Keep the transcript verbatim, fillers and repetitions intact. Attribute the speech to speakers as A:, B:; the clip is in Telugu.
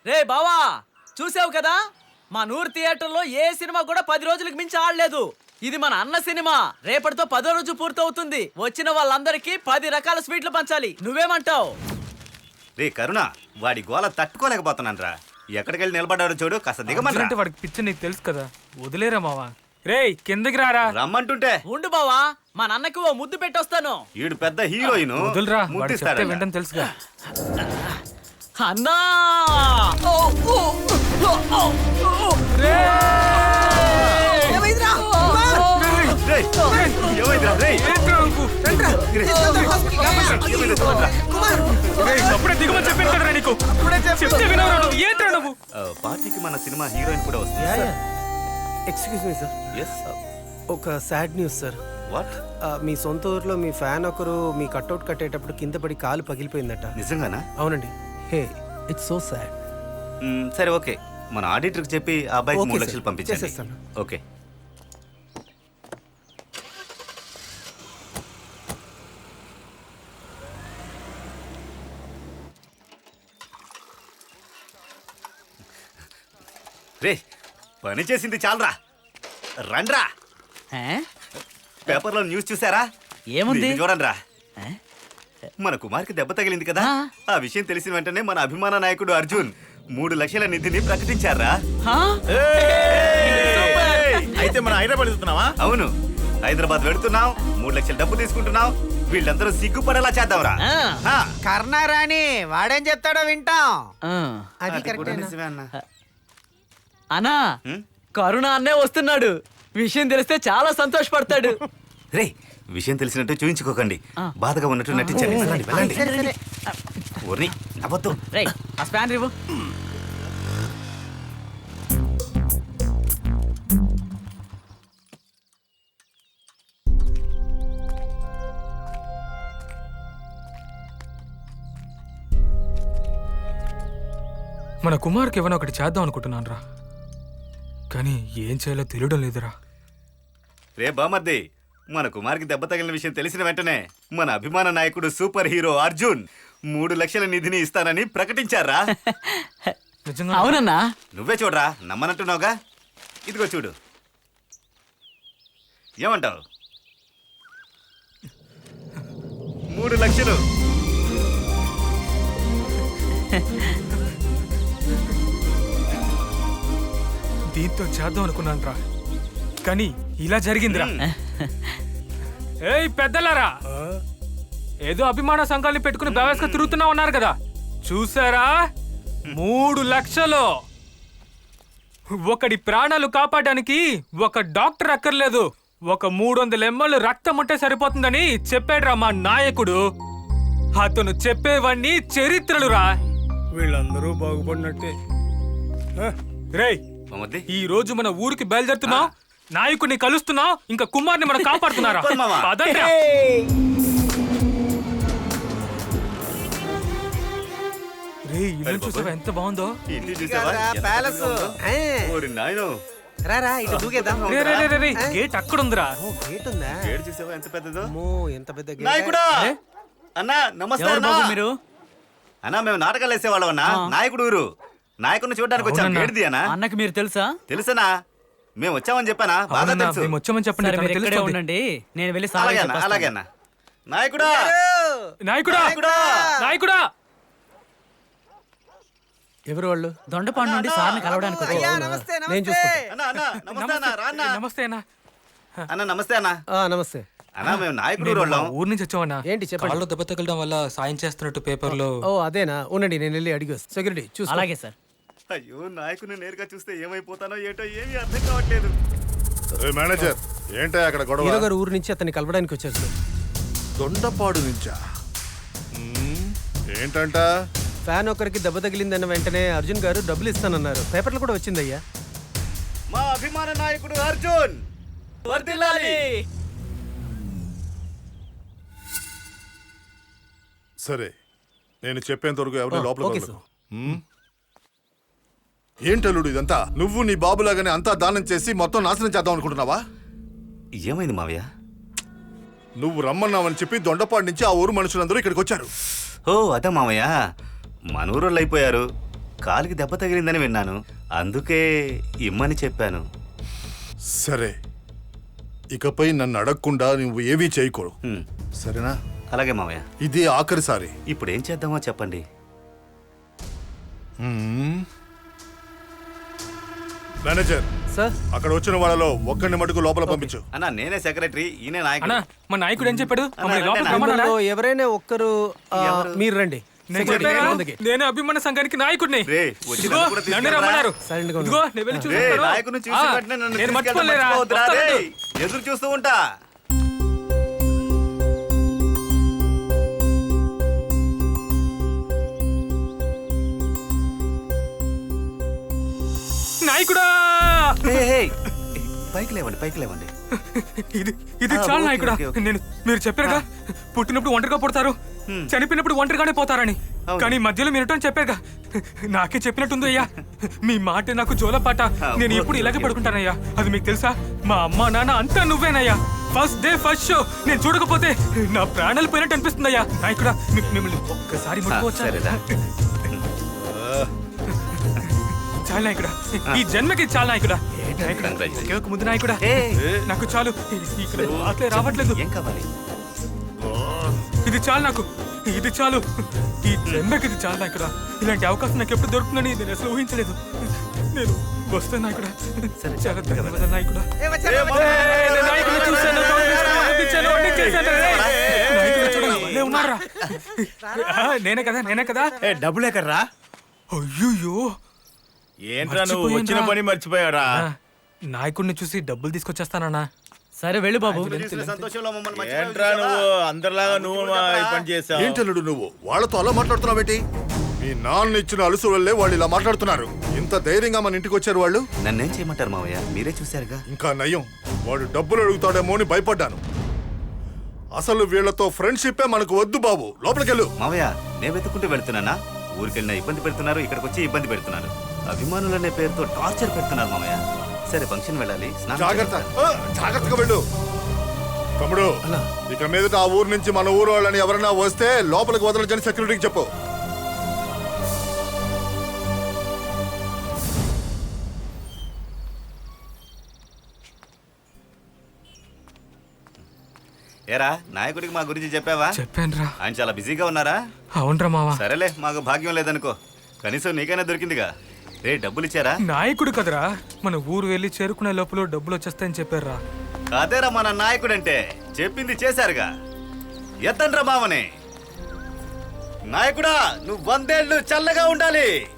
A: రే బావా, చూసావు కదా మా నూరు థియేటర్లో ఏ సినిమా కూడా పది రోజులకు మించి ఆడలేదు. ఇది మన అన్న సినిమా. రేపటితో పదో రోజు పూర్తవుతుంది. వచ్చిన వాళ్ళందరికీ పది రకాల స్వీట్లు పంచాలి. నువ్వేమంటావు?
B: రే కరుణ, వాడి గోల తట్టుకోలేకపోతున్నాను రా. ఎక్కడికెళ్ళి నిలబడ్డాడో చూడు, కాస్త దిగమంటే.
C: వాడికి పిచ్చి నీకు తెలుసు కదా, వదిలేరా మావా. రే కిందకి రారా.
B: రమ్మంటుంటే
A: ఉండు బావా, మా నాన్నకి ఓ ముద్దు పెట్టొస్తాను.
B: ఈడు పెద్ద హీరోయిన్,
C: వదిలిరా, వాడు
B: ముద్దిస్తాడు.
C: చెప్తే వింటని తెలుసుగా.
A: అన్నా
C: దిగమని చెప్పాను కదరా నీకు. చెప్తే వినవరా నువ్వు? ఏంట్రా నువ్వు?
B: పార్టీకి మన సినిమా హీరోయిన్ కూడా వస్తుంది.
D: Excuse me sir.
B: ఎస్
D: ఒక సాడ్ న్యూస్ సార్.
B: వాట్?
D: మీ సొంత ఊర్లో మీ ఫ్యాన్ ఒకరు మీ కట్అవుట్ కట్టేటప్పుడు కింద పడి కాలు పగిలిపోయిందట.
B: నిజంగానా?
D: అవునండి. హే, ఇట్స్ సో సాడ్.
B: మ్, సరే ఓకే, మన ఆడిటర్కి చెప్పి ఆ అబ్బాయికి
D: ఓకే
B: మూడు
D: సార్,
B: లక్షలు పంపించేస్తాను.
D: చేసేస్తాను.
B: ఓకే. రే, పని చేసింది చాలరా, రండ్రా. పేపర్లో న్యూస్ చూసారా?
A: ఏముంది?
B: చూడండి రా. మన కుమార్కి దెబ్బ తగిలింది కదా, ఆ విషయం తెలిసిన వెంటనే మన అభిమాన నాయకుడు అర్జున్ మూడు లక్షల నిధిని ప్రకటించారా.
E: అయితే మనం హైదరాబాద్ వెళ్తున్నావా?
B: అవును, హైదరాబాద్ వెళుతున్నాం, మూడు లక్షల డబ్బు తీసుకుంటున్నాం. వీళ్ళందరూ సిగ్గుపడేలా చేద్దాంరా.
F: కర్ణారాణి వాడేం చెప్తాడో వింటాం.
D: అది
B: అది కూడా
D: కరెక్ట్.
B: నిజమే అన్న.
A: అన్నా,
B: హ్మ్?
A: కరుణ అన్నే వస్తున్నాడు. విషయం తెలిస్తే చాలా సంతోషపడతాడు.
B: రే, విషయం తెలిసినట్టు చూయించుకోకండి,
A: ఆ.
B: బాధగా ఉన్నట్టు నటించండి. వెళ్ళండి, వెళ్ళండి.
F: సరే సరే
B: ఊరిని నవ్వొద్దు.
A: రేయ్, ఆ స్పాన్ రివ్వు.
C: మన కుమార్కి ఏమైనా ఒకటి చేద్దాం అనుకుంటున్నాను రా, కానీ ఏం చేయాలో తెలియడం లేదురా.
B: రే బామర్ది, మన కుమార్కి దెబ్బ తగిలిన విషయం తెలిసిన వెంటనే మన అభిమాన నాయకుడు సూపర్ హీరో అర్జున్ మూడు లక్షల నిధిని ఇస్తానని ప్రకటించారా.
C: నిజంగా
A: అవునన్నా.
B: నువ్వే చూడరా, నమ్మనంటున్నావుగా. ఇదిగో చూడు, ఏమంటావు? మూడు లక్షలు.
C: దీంతో చేద్దాం అనుకున్నాను రా, కానీ ఇలా జరిగిందిరా. ఏయ్ పెద్దలారా, ఏదో అభిమాన సంఘాన్ని పెట్టుకుని బేవస్గా తిరుగుతున్నా ఉన్నారు కదా, చూసారా? మూడు లక్షలు. ఒకడి ప్రాణాలు కాపాడడానికి ఒక డాక్టర్ అక్కర్లేదు, ఒక మూడు వందల ఎంఎల్ రక్తం ఉంటే సరిపోతుందని చెప్పాడురా మా నాయకుడు. అతను చెప్పేవన్నీ చరిత్రలు రా.
E: వీళ్ళందరూ బాగుపడినట్టే.
C: రేయ్,
B: బామర్ది,
C: ఈ రోజు మన ఊరికి బయలుదేరుతున్నాం, నాయకుడిని కలుస్తున్నాం, ఇంకా కుమార్ని మనం కాపాడుతున్నారా?
B: సూపర్ మామ.
C: పదండ్రా. రేయ్, ఇల్లు చూసావా ఎంత బాగుందో?
B: ఇంటి చూసావా?
F: కదా,
B: ఎంత
F: ప్యాలెస్.
B: పెద్దగా ఉందో? ఓరి నాయనో,
D: రారా ఇటు దూకేద్దాం.
C: రే, రే, రే, రే, రే, గేట్ అక్కడ ఉందిరా.
D: ఓ, గేట్ ఉందా?
B: ఏడు చూసావా ఎంత పెద్దదో?
D: అమ్మో, ఎంత పెద్ద గేట్.
B: నాయకుడా, అన్నా నమస్తే.
A: ఎవరు
B: అన్నా
A: బాబు మీరు?
B: అన్నా మేము నాటకాలు వేసేవాళ్ళం అన్నా.
A: ఆ.
B: నాయకుడు ఊరు, నాయకుడిని చూడడానికి వచ్చాం.
C: అవునన్నా.
B: ఏడిది అన్నా?
A: అన్నకి మీరు తెలుసా?
B: తెలుసనా? మేము వచ్చామని చెప్పానా? బాగా
C: అవునన్నా,
B: తెలుసు.
C: మేము వచ్చామని చెప్పండి,
A: సరే, మీరు
C: తనకు
A: ఇక్కడే
C: తెలుస్తుంది.
A: ఉండండి, నేను వెళ్ళి
B: అలాగే
A: సార్
B: అన్నా, అలాగే అన్నా. నాయకుడా,
C: నాయకుడా,
B: నాయకుడా.
C: నాయకుడా.
D: ఎవరు వాళ్ళు?
A: దొండపాడు నుండి సార్ని కలవడానికి వచ్చాను.
F: అయ్యా, నమస్తే
D: నేను
F: నమస్తే.
D: చూసుకుంటా.
B: అన్నా, అన్నా, నమస్తే అన్నా, రా అన్నా.
C: నమస్తే అన్న.
B: అన్నా నమస్తే అన్నా.
D: ఆ, నమస్తే.
B: అన్నా మేము నాయకుడు
C: నేను
B: ఊరు
C: మా
B: వాళ్ళం.
C: ఊరు నుంచి వచ్చామన్నా.
D: ఏంటి చెప్పండి.
C: కాళ్ళు దెబ్బ తగలడం వల్ల సాయం చేస్తున్నట్టు పేపర్లో.
D: ఓ అదేనా, ఉండండి నేను వెళ్ళి అడిగి వస్తాను. సెక్యూరిటీ చూసుకో.
A: అలాగే సార్.
B: అయ్యో, నాయకుడిని నేరుగా చూస్తే ఏమైపోతానో ఏటో ఏమీ అర్థం కావట్లేదు.
E: మేనేజర్, ఏంటో అక్కడ గొడవ?
D: హీరో గారు ఊరు నుంచి అతన్ని కలవడానికి వచ్చారు సార్.
E: దొండపాడు నుంచా? మ్మ్, ఏంటంట?
D: ఫ్యాన్ ఒకరికి దెబ్బ తగిలిందన్న వెంటనే అర్జున్ గారు డబ్బులు ఇస్తానన్నారు. పేపర్లు కూడా వచ్చిందయ్యా.
B: మా అభిమాన నాయకుడు అర్జున్
A: వర్ధిల్లాలి.
E: సరే, నేను చెప్పేంత వరకు ఎవరిని
D: ఆ,
E: లోపల
D: ఓకే
E: వదలకు. మ్మ్? ఏంటల్లుడు ఇదంతా? నువ్వు నీ బాబులాగానే అంతా దానం చేసి మొత్తం నాశనం చేద్దాం అనుకుంటున్నావా?
B: ఏమైంది మావయ్య?
E: నువ్వు రమ్మన్నావని చెప్పి దొండపాడు నుంచి ఆ ఊరు మనుషులందరూ ఇక్కడికి వచ్చారు.
B: ఓ అదే మావయ్య, మన ఊరోళ్ళు అయిపోయారు. కాలికి దెబ్బ తగిలిందని విన్నాను, అందుకే ఇమ్మని చెప్పాను.
E: సరే, ఇకపై నన్ను అడగకుండా నువ్వు ఏవీ చేయకూడదు,
B: హ్మ్,
E: సరేనా?
B: అలాగే మామయ్య.
E: ఇది ఆఖరిసారి.
B: ఇప్పుడు ఏం చేద్దామో చెప్పండి.
E: మ్మ్. మేనేజర్,
D: సార్
E: అక్కడ వచ్చిన వాళ్ళలో ఒక్కడిని మటుకు లోపల పంపించు.
B: అన్నా నేనే సెక్రటరీ, ఈయనే
C: అన్నా
B: నాయకుడు.
C: మా నాయకుడు ఏం చెప్పాడు? మమ్మల్ని
B: అన్నా,
C: లోపలికి
B: రండి,
C: రమ్మన్నాడా?
D: మిమ్మల్ని ఎవరైనా ఒక్కరు ఆ,
B: ఎవరు?
D: మీరు రండి
C: నేను
D: సెక్రటరీ
C: చెప్పానా?
D: ముందుకి.
C: నేను అభిమాన సంఘానికి నాయకుడిని.
B: రే, వచ్చి
C: ఇదిగో,
B: నన్ను కూడా
C: నన్ను
B: తీసుకెళ్ళరా?
C: రమ్మన్నారు.
D: సైలెంట్ గా ఉండు.
C: ఇదిగో, నేను వెళ్ళి
B: రే,
C: చూసుకుంటాను.
B: నాయకుడిని చూసి
C: ఆ,
B: వెంటనే నన్ను
C: నేను
B: తీసుకెళ్ళడం
C: మర్చిపోలేరా?
B: మర్చిపోవద్దురా, రే.
C: వస్తాను.
B: ఎదురు చూస్తూ ఉంటా.
C: నాయకుడా!
B: ఏయ్, ఏయ్, పైకి లేవండి, పైకి లేవండి.
C: ఇది ఇది
B: ఆ,
C: చాలా
B: ఓకే,
C: నాయకుడా.
B: Okay, okay.
C: నేను మీరు చెప్పారుగా, పుట్టినప్పుడు ఒంటరిగా పుడతారు, చనిపోయినప్పుడు ఒంటరిగానే పోతారని.
B: అవును.
C: కానీ మధ్యలో మీరటం చెప్పారుగా, నాకే చెప్పినట్టుంది అయ్యా. మీ మాట నాకు జోలపాట.
B: ఆ,
C: నేను
B: ఓకే,
C: ఎప్పుడు ఇలాగే
B: ఓకే,
C: పడుకుంటానయ్యా. అది మీకు తెలుసా? మా అమ్మ నాన్న అంతా నువ్వేనయ్యా. ఫస్ట్ డే ఫస్ట్ షో నేను చూడకపోతే నా ప్రాణాలు పోయినట్టు అనిపిస్తుందయ్యా. నాయకుడా, మీ- మిమ్మల్ని ఒక్కసారి ముట్టుకోవచ్చా?
B: సరేరా.
C: చాలా నాయకుడా, ఈ జన్మకి చాలా నాయకుడా. నాయకుడా,
B: Congratulations.
C: ఒకే ఒక ముందు నాయకుడా,
B: ఏయ్,
C: నాకు చాలు. ఇక్కడ మాటలే రావట్లేదు.
B: ఏం కావాలి?
C: ఇది చాలు నాకు, ఇది చాలు. ఈ జన్మకి ఇది చాలు నాయకుడా. ఇలాంటి అవకాశం నాకు ఎప్పుడు దొరుకుతుందని నేను అసలు ఊహించలేదు. నేను వస్తాను నాయకుడా. చాలా ధన్యవాదాలు నాయకుడా. ఏయ్, నేను నాయకుడిని చూశాను, కౌగిలించాను, ఆనందించాను, అన్నీ చేశాను. ఏయ్, నాయకుడు చూడండి, భలే ఉన్నారా? ఆ, నేనే కదా నేనే కదా
G: ఏ డబ్బులు ఎక్కడ్రా?
C: అయ్యో,
G: ఏంట్రా నువ్వు
C: మర్చిపోయానురా.
G: వచ్చిన పని మర్చిపోయారా?
C: నాయకుడిని చూసి డబ్బులు తీసుకొచ్చేస్తానన్నా.
A: సరే వెళ్ళు బాబు.
B: చూసిన సంతోషంలో మమ్మల్ని మర్చిపోయావు
G: ఏంట్రా
B: చూసావా?
G: నువ్వు అందరిలాగా నువ్వు మా ఈ పని చేసావు?
E: ఏంటల్లుడు నువ్వు వాళ్ళతో అలా మాట్లాడుతున్నావేంటి? మీ నాన్న ఇచ్చిన అలుసు వల్లే వాళ్ళు ఇలా మాట్లాడుతున్నారు. ఇంత ధైర్యంగా మన ఇంటికి వచ్చారు వాళ్ళు.
B: నన్నేం చేయమంటారు మావయ్య, మీరే చూశారుగా.
E: ఇంకా నయం, వాడు డబ్బులు అడుగుతాడేమో అని భయపడ్డాను. అసలు వీళ్ళతో ఫ్రెండ్షిప్పే మనకు వద్దు బాబు, లోపలికెళ్ళు.
B: మావయ్య, నేను వెతుక్కుంటూ వెళ్తున్నానా? ఊరికెళ్ళినా ఇబ్బంది పెడుతున్నారు, ఇక్కడికి వచ్చి ఇబ్బంది పెడుతున్నారు. అభిమానులనే పేరుతో టార్చర్ పెడుతున్నారు మావయ్య. సరే, ఫంక్షన్ వెళ్ళాలి, స్నానం
E: జాగ్రత్త,
B: చేస్తాను.
E: ఆ, జాగ్రత్తగా వెళ్ళు. తమ్ముడు, ఇక మీదట ఆ ఊరు నుంచి మన ఊరు వాళ్ళని ఎవరైనా వస్తే లోపలికి వదలచని సెక్యూరిటీకి చెప్పు.
B: ఏరా, నాయకుడికి మా గురించి చెప్పావా?
C: చెప్పానురా.
B: ఆయన చాలా బిజీగా ఉన్నారా?
C: అవునరా మావా.
B: సరేలే, మాకు భాగ్యం లేదనుకో, కనీసం నీకైనా దొరికిందిగా. రే, డబ్బులు ఇచ్చారా?
C: నాయకుడు కదరా, మన ఊరు వెళ్ళి చేరుకునే లోపల డబ్బులు వచ్చేస్తాయని చెప్పారా.
B: అదేరా మన నాయకుడంటే, చెప్పింది చేశారుగా. ఎత్తండ్రా మామని. నాయకుడా, నువ్వు వందేళ్లు చల్లగా ఉండాలి.